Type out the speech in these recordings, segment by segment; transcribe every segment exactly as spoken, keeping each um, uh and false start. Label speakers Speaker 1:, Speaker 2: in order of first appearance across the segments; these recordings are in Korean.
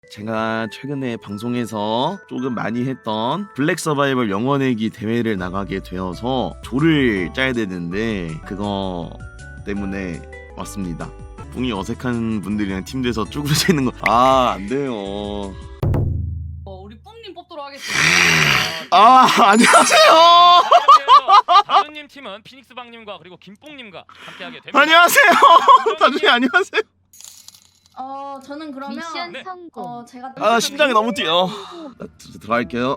Speaker 1: 제가 최근에 방송에서 조금 많이 했던 블랙 서바이벌 영원내기 대회를 나가게 되어서 조를 짜야 되는데 그거 때문에 왔습니다. 뿡이 어색한 분들이랑 팀돼서 쭈그러지는 거 아 안돼요.
Speaker 2: 어, 우리 뿡님 뽑도록 하겠습니다.
Speaker 1: 아 안녕하세요.
Speaker 3: 다준님 팀은 피닉스방님과 그리고 김뽕님과 함께하게 됩니다.
Speaker 1: 안녕하세요. 다준이 안녕하세요.
Speaker 4: 어 저는 그러면
Speaker 5: 미션
Speaker 3: 네.
Speaker 5: 성공.
Speaker 4: 어 제가
Speaker 1: 아 심장이 너무 뛰어. 나 들- 들어갈게요.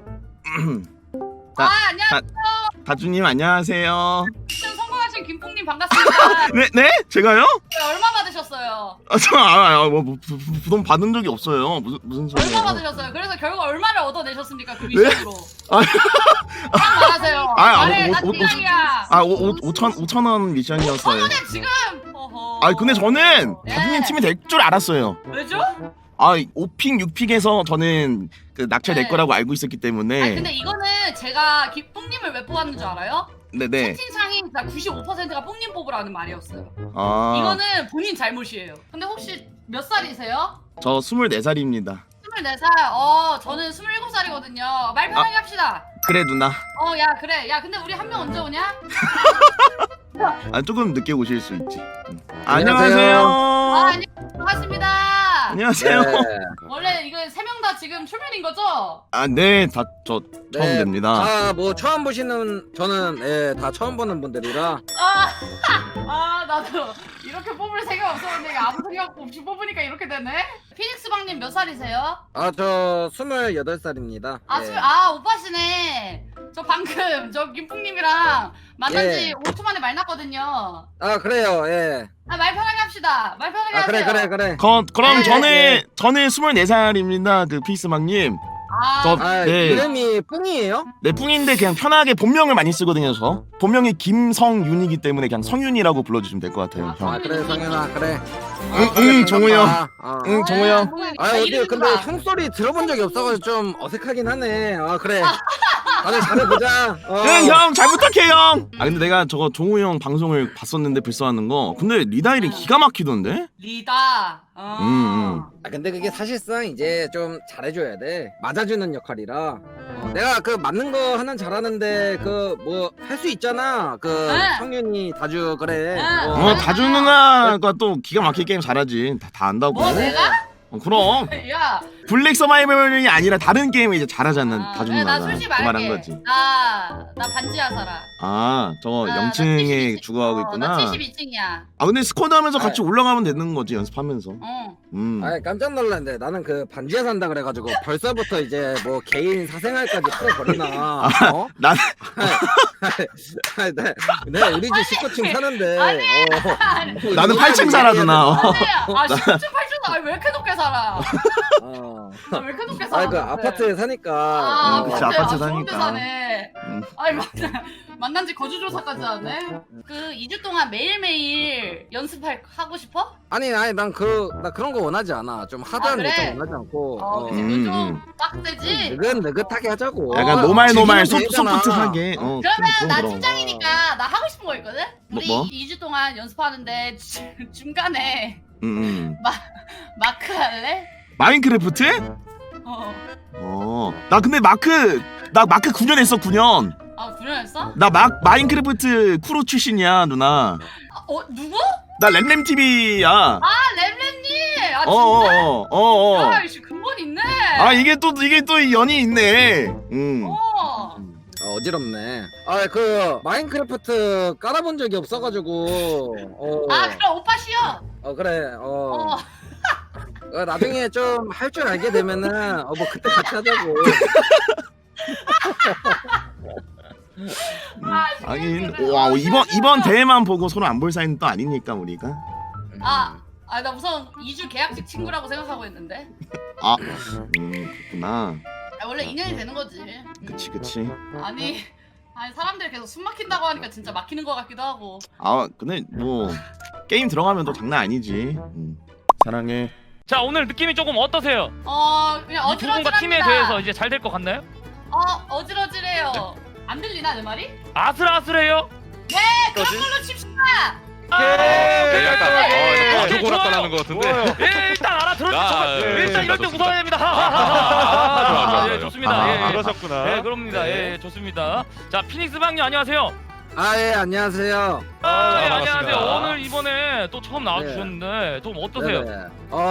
Speaker 2: 아 안녕하세요.
Speaker 1: 다준님 안녕하세요.
Speaker 2: 미션 성공하신 김뽕님 반갑습니다.
Speaker 1: 네 네? 제가요?
Speaker 2: 네, 얼마 받으셨어요?
Speaker 1: 아저아뭐 부돈 받은 적이 없어요. 무슨 무슨 소리예요?
Speaker 2: 얼마 받으셨어요? 그래서 결국 얼마를 얻어내셨습니까 그
Speaker 1: 네?
Speaker 2: 미션으로?
Speaker 1: 아.
Speaker 2: 딱 말하세요.
Speaker 1: 아, 아,
Speaker 2: 말해,
Speaker 1: 오-
Speaker 2: 나
Speaker 1: 오- 오-
Speaker 2: 팀장이야.
Speaker 1: 아, 오, 오, 오천, 오천 원 미션이었어요.
Speaker 2: 오늘 지금. 어허.
Speaker 1: 아, 근데 저는
Speaker 2: 네.
Speaker 1: 다준님 팀이 될 줄 알았어요.
Speaker 2: 왜죠?
Speaker 1: 아, 오 픽, 육 픽에서 저는 그 낙찰 될
Speaker 2: 네.
Speaker 1: 거라고 알고 있었기
Speaker 2: 아니
Speaker 1: 때문에.
Speaker 2: 근데 이거는 제가 김뽕님을 왜 뽑았는 줄 알아요?
Speaker 1: 네네.
Speaker 2: 채팅창이 구십오 퍼센트가 뽕님 뽑으라는 말이었어요.
Speaker 1: 아,
Speaker 2: 이거는 본인 잘못이에요. 근데 혹시 몇 살이세요?
Speaker 1: 저 스물네 살입니다.
Speaker 2: 스물네 살. 어, 저는 스물일곱 살이거든요. 말 편하게 합시다.
Speaker 1: 그래, 누나.
Speaker 2: 어, 야, 그래. 야, 근데 우리 한 명 언제 오냐?
Speaker 1: 아, 조금 늦게 오실 수 있지. 응.
Speaker 6: 안녕하세요.
Speaker 2: 아,
Speaker 1: 안녕하세요.
Speaker 2: 안녕. 반갑습니다.
Speaker 1: 안녕하세요.
Speaker 2: 원래 이거 세 명 다 지금 초면인 거죠?
Speaker 1: 아, 네, 다 저 처음
Speaker 6: 네.
Speaker 1: 됩니다.
Speaker 6: 아, 뭐 처음 보시는 저는 예, 다 처음 보는 분들이라.
Speaker 2: 아, 아, 나도 이렇게 뽑을 생각 없었는데 아무 생각 없이 뽑으니까 이렇게 되네. 피닉스 방님 몇 살이세요?
Speaker 6: 아, 저 스물여덟 살입니다.
Speaker 2: 아,
Speaker 6: 예.
Speaker 2: 술, 아, 오빠시네. 저 방금 저 김풍님이랑 만난 지
Speaker 6: 예.
Speaker 2: 오 초 만에 말 났거든요.
Speaker 6: 아, 그래요. 예.
Speaker 2: 아, 말 편하게 합시다. 말 편하게
Speaker 6: 아,
Speaker 2: 하세요.
Speaker 6: 그래, 그래, 그래.
Speaker 1: 거, 그럼
Speaker 2: 네,
Speaker 1: 저는
Speaker 6: 네.
Speaker 1: 저는 스물네 살입니다. 그 피스망님.
Speaker 2: 아,
Speaker 1: 저-
Speaker 6: 아,
Speaker 1: 네.
Speaker 6: 이름이 뿡이에요?
Speaker 1: 네, 뿡인데 그냥 편하게 본명을 많이 쓰거든요, 저. 본명이 김성윤이기 때문에 그냥 성윤이라고 불러주시면 될 것 같아요,
Speaker 2: 아,
Speaker 1: 형.
Speaker 6: 아, 그래, 성현아, 그래. 아,
Speaker 1: 응,
Speaker 6: 그래,
Speaker 1: 응, 정우 형.
Speaker 6: 반갑다. 아.
Speaker 1: 응, 정우 형.
Speaker 6: 아, 어디 근데 형 소리 들어본 적이 없어가지고 좀 어색하긴 하네. 아, 그래. 다들 잘해보자. 어.
Speaker 1: 응, 형, 잘 부탁해, 형. 아, 근데 내가 저거 종우 형 방송을 봤었는데 불써하는 거. 근데 리다일이 기가 막히던데?
Speaker 2: 리다. 어.
Speaker 1: 음, 음.
Speaker 6: 아, 근데 그게 사실상 이제 좀 잘해줘야 돼. 맞아주는 역할이라. 어, 내가 그 맞는 거 하나는 잘하는데 그 뭐 할 수 있잖아. 그
Speaker 2: 네.
Speaker 6: 성윤이 다주 그래.
Speaker 2: 네.
Speaker 6: 어.
Speaker 1: 어, 다주 누나가 또 기가 막히게 게임 잘하지. 다, 다 안다고.
Speaker 2: 뭐 내가?
Speaker 1: 어, 그럼.
Speaker 2: 야.
Speaker 1: 블랙 서바이벌이 아니라 다른 게임을 이제 잘하잖아,
Speaker 2: 아,
Speaker 1: 다주
Speaker 2: 야,
Speaker 1: 누나가.
Speaker 2: 나 솔직히
Speaker 1: 그 말한
Speaker 2: 말할게.
Speaker 1: 거지.
Speaker 2: 나, 나 반지하 살아.
Speaker 1: 아, 저거
Speaker 2: 나- 나
Speaker 1: 영층에
Speaker 2: 칠십이 층.
Speaker 1: 주거하고
Speaker 2: 어,
Speaker 1: 있구나.
Speaker 2: 나 칠십이 층이야.
Speaker 1: 아, 근데 스쿼드 하면서 같이
Speaker 6: 아.
Speaker 1: 올라가면 되는 거지, 연습하면서.
Speaker 2: 어.
Speaker 1: 음.
Speaker 6: 아, 깜짝 놀랐는데 나는 그 반지하 산다 그래가지고 벌써부터 이제 뭐 개인 사생활까지 풀어버리나. 어?
Speaker 1: 난
Speaker 6: 아, 네, 네, 우리 집 십구 층 사는데.
Speaker 2: 아니,
Speaker 6: 어.
Speaker 2: 아니.
Speaker 6: 뭐
Speaker 1: 나는
Speaker 6: 이런
Speaker 1: 팔 층
Speaker 6: 얘기해야
Speaker 1: 살아,
Speaker 6: 되나?
Speaker 1: 누나. 어.
Speaker 2: 아, 십 층, 팔 층, 아, 왜 이렇게 높게 살아?
Speaker 6: 어.
Speaker 2: 나 왜 이렇게 높게 살아?
Speaker 6: 아, 그 아파트에 사니까.
Speaker 2: 아,
Speaker 6: 어.
Speaker 1: 그치,
Speaker 2: 아파트,
Speaker 1: 아파트
Speaker 2: 아,
Speaker 1: 사니까.
Speaker 2: 서울대 사네.
Speaker 1: 음.
Speaker 2: 아니, 만난, 만난 지 거주조사까지 하네? 그 이 주 동안 매일매일 연습할, 하고 싶어?
Speaker 6: 아니, 아니, 난 그, 나 그런 거 원하지 않아. 좀 하드한
Speaker 2: 아, 그래?
Speaker 6: 일정 원하지 않고.
Speaker 2: 어,
Speaker 6: 어.
Speaker 2: 근데
Speaker 1: 음,
Speaker 2: 너 좀
Speaker 1: 음.
Speaker 2: 빡세지?
Speaker 6: 느긋, 느긋하게 하자고.
Speaker 1: 약간
Speaker 6: 어,
Speaker 1: 노말 노말 소,
Speaker 6: 즐기면 되잖아.
Speaker 1: 소프트하게. 어,
Speaker 2: 그러면
Speaker 1: 그럼,
Speaker 2: 나
Speaker 1: 그럼.
Speaker 2: 팀장이니까 나 하고 싶은 거 있거든?
Speaker 1: 뭐,
Speaker 2: 우리
Speaker 1: 뭐?
Speaker 2: 이 주 동안 연습하는데 주- 중간에
Speaker 1: 음, 음.
Speaker 2: 마크 할래?
Speaker 1: 마인크래프트?
Speaker 2: 어.
Speaker 1: 어. 나 근데 마크 나 마크 구 년 했어, 구 년.
Speaker 2: 아, 구년했어?
Speaker 1: 나 마, 마인크래프트 크루 출신이야, 누나.
Speaker 2: 아, 어, 누구?
Speaker 1: 나 램램티비야.
Speaker 2: 아, 램램님! 아,
Speaker 1: 어, 어,
Speaker 2: 진짜?
Speaker 1: 어, 어, 어.
Speaker 2: 야, 이씨, 근본 있네!
Speaker 1: 아, 이게 또 이게 또 연이 있네. 음.
Speaker 2: 어.
Speaker 6: 어, 어지럽네. 아, 그 마인크래프트 깔아본 적이 없어가지고. 어,
Speaker 2: 아, 그럼 오빠 쉬어!
Speaker 6: 어 그래. 어.
Speaker 2: 어.
Speaker 6: 어, 나중에 좀 할 줄 알게 되면은 어 뭐 그때 같이 하자고.
Speaker 2: 아,
Speaker 1: 하긴
Speaker 2: 그래.
Speaker 1: 와,
Speaker 2: 어,
Speaker 1: 이번
Speaker 2: 쉬어,
Speaker 1: 이번
Speaker 2: 쉬어.
Speaker 1: 대회만 보고 서로 안 볼 사이는 또 아니니까 우리가.
Speaker 2: 아, 아, 나 우선 이 주 계약직 친구라고 생각하고 있는데.
Speaker 1: 아, 음, 그렇구나.
Speaker 2: 아, 원래 인연이 되는 거지.
Speaker 1: 그치, 그치.
Speaker 2: 아니, 아니 사람들이 계속 숨 막힌다고 하니까 진짜 막히는 것 같기도 하고.
Speaker 1: 아, 근데 뭐 게임 들어가면 또 장난 아니지. 음. 사랑해.
Speaker 3: 자, 오늘 느낌이 조금 어떠세요?
Speaker 2: 어, 그냥
Speaker 3: 이 두 분과 팀에
Speaker 2: 어지러지랍니다.
Speaker 3: 대해서 이제 잘 될 것 같나요?
Speaker 2: 어, 어지러지래요. 안 들리나 내 말이?
Speaker 3: 아슬아슬해요?
Speaker 2: 네, 그런 걸로 칩시다.
Speaker 3: 아,
Speaker 7: 예,
Speaker 3: 오케이,
Speaker 7: 약간
Speaker 3: 오케이,
Speaker 7: 어,
Speaker 3: 오케이,
Speaker 7: 약간
Speaker 3: 좋아요.
Speaker 7: 아주 고락가라는 것 같은데.
Speaker 3: 예, 일단 알았. 아, 들어
Speaker 5: 아,
Speaker 3: 저
Speaker 5: 예,
Speaker 3: 일단
Speaker 5: 예,
Speaker 3: 이럴 때
Speaker 5: 좋습니다.
Speaker 3: 웃어야 됩니다.
Speaker 5: 좋아, 좋아,
Speaker 3: 아, 예,
Speaker 5: 좋아.
Speaker 3: 좋습니다.
Speaker 1: 아,
Speaker 3: 예, 예.
Speaker 5: 그러셨구나.
Speaker 3: 네, 그럽니다. 예, 좋습니다. 자, 피닉스 방님 안녕하세요.
Speaker 6: 아 예 안녕하세요.
Speaker 3: 아, 예,
Speaker 5: 반갑습니다.
Speaker 3: 안녕하세요. 오늘 이번에 또 처음 나와주셨는데 좀 어떠세요?
Speaker 6: 네네.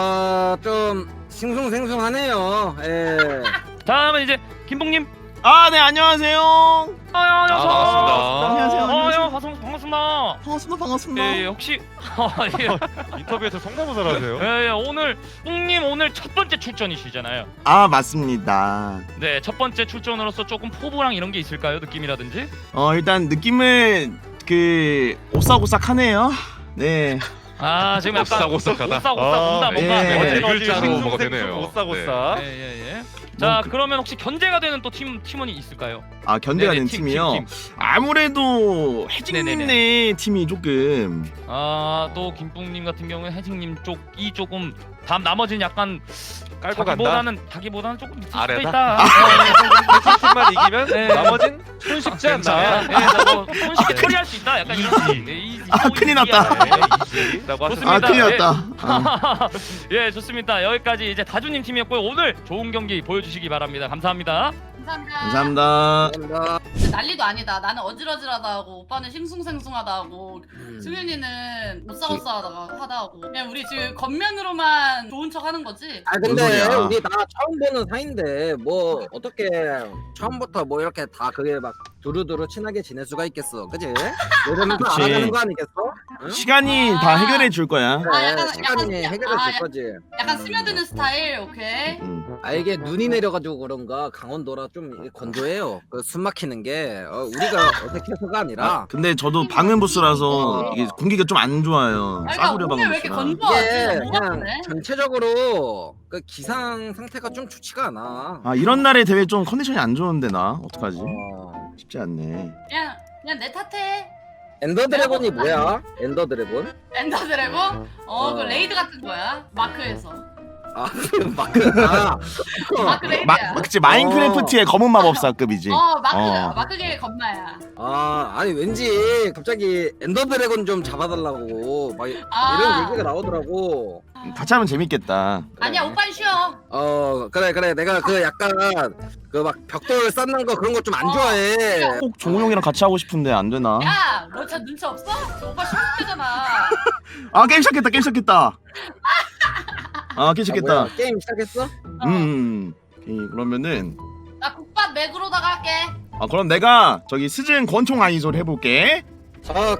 Speaker 6: 어좀 싱숭생숭하네요. 예.
Speaker 3: 다음은 이제 김봉님.
Speaker 1: 아, 네, 안녕하세요.
Speaker 3: 아, 야, 야,
Speaker 5: 아, 반갑습니다.
Speaker 1: 안녕하세요.
Speaker 3: 어,
Speaker 1: 안녕하세요.
Speaker 3: 야, 반갑습니다. 반갑습니다.
Speaker 1: 반갑습니다. 반갑습니다.
Speaker 3: 예, 예, 혹시 아, 예.
Speaker 5: 인터뷰에서 성대모사를 하세요?
Speaker 3: 예, 예, 오늘 뿡님 오늘 첫 번째 출전이시잖아요.
Speaker 1: 아, 맞습니다.
Speaker 3: 네, 첫 번째 출전으로서 조금 포부랑 이런 게 있을까요? 느낌이라든지?
Speaker 1: 어, 일단 느낌은 그 오싹오싹하네요. 네.
Speaker 3: 아, 지금 약간
Speaker 5: 오싹오싹하다.
Speaker 3: 오싹오싹
Speaker 5: 아,
Speaker 3: 뭔가 뭔가
Speaker 1: 예.
Speaker 3: 네,
Speaker 5: 네 글자로 뭐가 되네요.
Speaker 3: 예,
Speaker 5: 오싹오싹.
Speaker 3: 예, 예. 자,
Speaker 1: 그-
Speaker 3: 그러면 혹시 견제가 되는 또 팀 팀원이 있을까요?
Speaker 1: 아, 견제가
Speaker 3: 네네,
Speaker 1: 된
Speaker 3: 팀,
Speaker 1: 팀이요.
Speaker 3: 팀, 팀.
Speaker 1: 아무래도 혜진님네 팀이 조금
Speaker 3: 아, 또 김뿡님 같은 경우는 혜진님 쪽이 조금 다음 나머지는 약간
Speaker 5: 깔고 간다.
Speaker 3: 자기보다는 자기보다는 조금 밑일 수도
Speaker 5: 아래다?
Speaker 3: 있다.
Speaker 5: 팀만 이기면
Speaker 3: 네.
Speaker 5: 나머진 손쉽지 않나?
Speaker 3: 예, 예, 뭐 손쉽게 처리할 수 있다. 약간 이런
Speaker 5: 이지.
Speaker 3: 예, 이지.
Speaker 1: 아,
Speaker 3: 소
Speaker 1: 큰일
Speaker 3: 이지야.
Speaker 1: 났다.
Speaker 3: 예,
Speaker 5: 라고
Speaker 3: 좋습니다.
Speaker 1: 아,
Speaker 5: 하셨습니다.
Speaker 1: 큰일
Speaker 3: 예.
Speaker 1: 났다. 아.
Speaker 3: 예, 좋습니다. 여기까지 이제 다주님 팀이었고요. 오늘 좋은 경기 보여주시기 바랍니다. 감사합니다.
Speaker 2: 감사합니다.
Speaker 1: 감사합니다.
Speaker 6: 감사합니다.
Speaker 2: 진짜 난리도 아니다. 나는 어질어질하다 하고 오빠는 싱숭생숭하다 하고
Speaker 6: 음.
Speaker 2: 승윤이는 오싸오싸하다 하다 하고 그냥 우리 지금 겉면으로만 좋은 척 하는 거지?
Speaker 6: 아
Speaker 1: 뭔
Speaker 6: 근데
Speaker 1: 소리야.
Speaker 6: 우리 나 처음 보는 사이인데 뭐 어떻게 처음부터 뭐 이렇게 다 그게 막 두루두루 친하게 지낼 수가 있겠어, 그지? 이러면서
Speaker 1: 그치.
Speaker 6: 알아가는 거 아니겠어? 응?
Speaker 1: 시간이
Speaker 2: 아.
Speaker 1: 다 해결해 줄 거야.
Speaker 6: 그래,
Speaker 2: 아, 약간-
Speaker 6: 시간이
Speaker 2: 약간-
Speaker 6: 해결해
Speaker 2: 아,
Speaker 6: 줄
Speaker 2: 약-
Speaker 6: 거지.
Speaker 2: 약간 스며드는 스타일, 오케이.
Speaker 1: 음.
Speaker 6: 아 이게 눈이 내려가지고 그런가 강원도라 좀 건조해요. 그 숨 막히는 게 어, 우리가 어색해서가 아니라
Speaker 1: 근데 저도 방음 부스라서 이게 공기가 좀 안 좋아요.
Speaker 2: 아, 그러니까
Speaker 1: 싸구려
Speaker 2: 오늘
Speaker 1: 방음
Speaker 2: 왜 이렇게
Speaker 1: 부스라.
Speaker 2: 건조하지?
Speaker 6: 이게
Speaker 2: 뭐가
Speaker 6: 그냥
Speaker 2: 그래?
Speaker 6: 전체적으로 그 기상 상태가 좀 좋지가 않아.
Speaker 1: 아, 이런 날에 대회 좀 컨디션이 안 좋은데 나 어떡하지?
Speaker 6: 어.
Speaker 1: 쉽지 않네.
Speaker 2: 그냥 그냥 내 탓해.
Speaker 6: 엔더 드래곤이 뭐야? 엔더 드래곤?
Speaker 2: 엔더 드래곤? 어, 그
Speaker 6: 어.
Speaker 2: 레이드 같은 거야. 마크에서.
Speaker 6: 아, 마크. 아,
Speaker 2: 마크 레이드야.
Speaker 1: 마, 그치 마인크래프트의 검은 마법사급이지.
Speaker 2: 어, 마크,
Speaker 1: 어.
Speaker 2: 마크계 겁나야.
Speaker 6: 아, 아니 왠지 갑자기 엔더 드래곤 좀 잡아달라고 막 이-
Speaker 2: 아.
Speaker 6: 이런 얘기가 나오더라고.
Speaker 1: 같이 하면 재밌겠다.
Speaker 2: 아니야, 오빠는 쉬어.
Speaker 6: 어, 그래 그래. 내가 그 약간 그 막 벽돌 쌓는 거 그런 거 좀 안 좋아해.
Speaker 1: 꼭 종우 형이랑 같이 하고 싶은데 안 되나?
Speaker 2: 야, 너 진짜 눈치 없어? 저 오빠 쉬울 때잖아.
Speaker 1: 아, 게임 시작했다. 게임 시작했다. 아, 게임
Speaker 6: 아,
Speaker 1: 시작했다.
Speaker 6: 뭐야, 게임 시작했어?
Speaker 2: 어.
Speaker 1: 음. 오케이, 그러면은
Speaker 2: 나 국밥 맥으로다가 할게.
Speaker 1: 아, 그럼 내가 저기 스즌 권총 아이솔 해볼게.
Speaker 6: 자,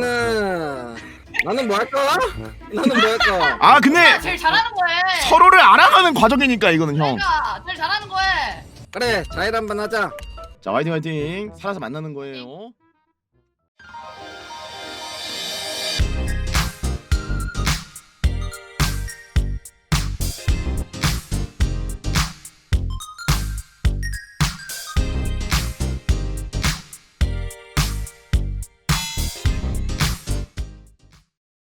Speaker 6: 그러면은 나는 뭐 할까? 나는 뭐 할까?
Speaker 1: 아,
Speaker 2: 오빠
Speaker 1: 근데
Speaker 2: 제일 잘하는 거 해.
Speaker 1: 서로를 알아가는 과정이니까 이거는 형.
Speaker 2: 그러니까 제일 잘하는 거 해.
Speaker 6: 그래, 자일 한번 하자.
Speaker 1: 자, 화이팅 화이팅. 살아서 만나는 거예요.